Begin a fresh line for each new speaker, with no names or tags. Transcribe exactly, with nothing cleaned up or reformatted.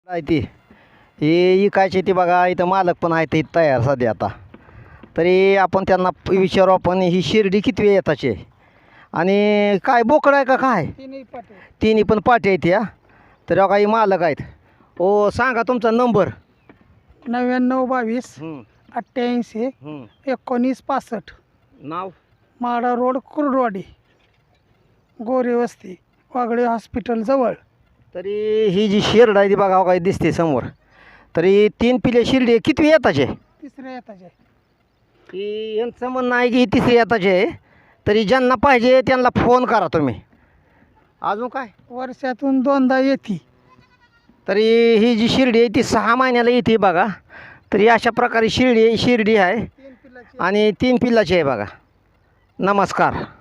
आहे ती ही इकायची ती बघा. इथं मालक पण आहे ते तयार सध्या आता. तरी आपण त्यांना विचारू आपण ही शिर्डी किती वेळ येताची आहे आणि काय बोकड आहे का काय?
तिन्ही पाटे
तिन्ही पण पाठी आहेत या. तर काही मालक आहेत. ओ सांगा तुमचा नंबर.
नव्याण्णव बावीस
हं,
अठ्ठ्याऐंशी
हं.
एकोणीस पासष्ट.
नाव
माडा रोड कुर्डवाडी, गोरे वस्ती, वागळे हॉस्पिटल जवळ.
तरी ही जी शिर्ड आहे ती बघा हो काही दिसते समोर. तरी तीन पिले शिर्डी किती येताचे?
तिसऱ्या येताचे.
की यांचं म्हणणं आहे की ही तिसरी येताचे आहे. तरी ज्यांना पाहिजे त्यांना फोन करा तुम्ही. अजून काय?
वर्षातून दोनदा येते.
तरी ही जी शिर्डी आहे ती सहा महिन्याला येते बघा. तरी अशा प्रकारे शिर्डी शिर्डी आहे
तीन पिल्लाची
आणि तीन पिल्लाची आहे बघा. नमस्कार.